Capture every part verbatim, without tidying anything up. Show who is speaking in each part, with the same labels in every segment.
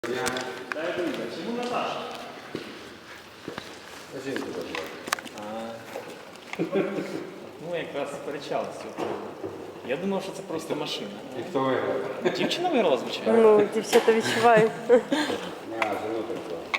Speaker 1: Дай вийде. Чому Наташа?
Speaker 2: Жінку забрати.
Speaker 1: Ну, якраз сперечалися. Я думав, що це просто машина.
Speaker 2: І хто виграв?
Speaker 1: Дівчина виграла, звичайно.
Speaker 3: Ну, дівчата відчувають.
Speaker 2: А, жену так звати.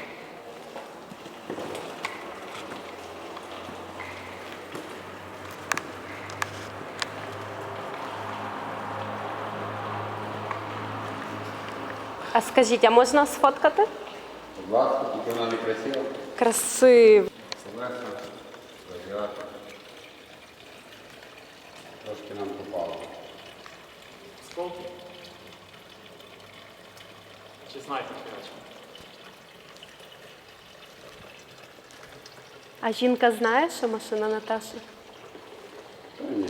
Speaker 3: А скажіть, а можна сфоткати?
Speaker 2: Будь ласка, тільки вона не красива.
Speaker 3: Красиво.
Speaker 2: Солеса, розіграти. Трошки нам попало.
Speaker 1: Сколки? Чи снайпер, коротше?
Speaker 3: А жінка знає, що машина Наташі?
Speaker 2: Та ні.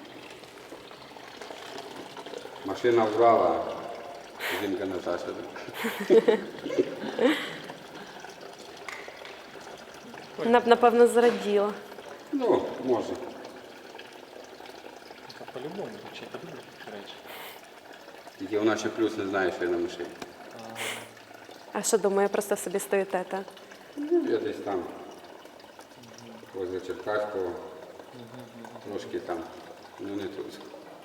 Speaker 2: Машина вбрала, жінка Наташа. так?
Speaker 3: Вона б, напевно, зраділа.
Speaker 2: Ну, може.
Speaker 1: Та по-любому, дівчата люблять такі речі.
Speaker 2: Тільки вона ще плюс не знає, що я на машині.
Speaker 3: А що думає, просто собі стоїте, так?
Speaker 2: Ну, я десь там, возле Черкаського, трошки там, ну не тут.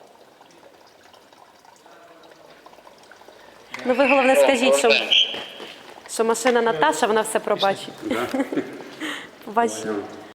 Speaker 3: Ну ви головне скажіть, що, що машина Наташа, вона все пробачить.
Speaker 2: Да?
Speaker 3: Побачить.
Speaker 2: Поняв.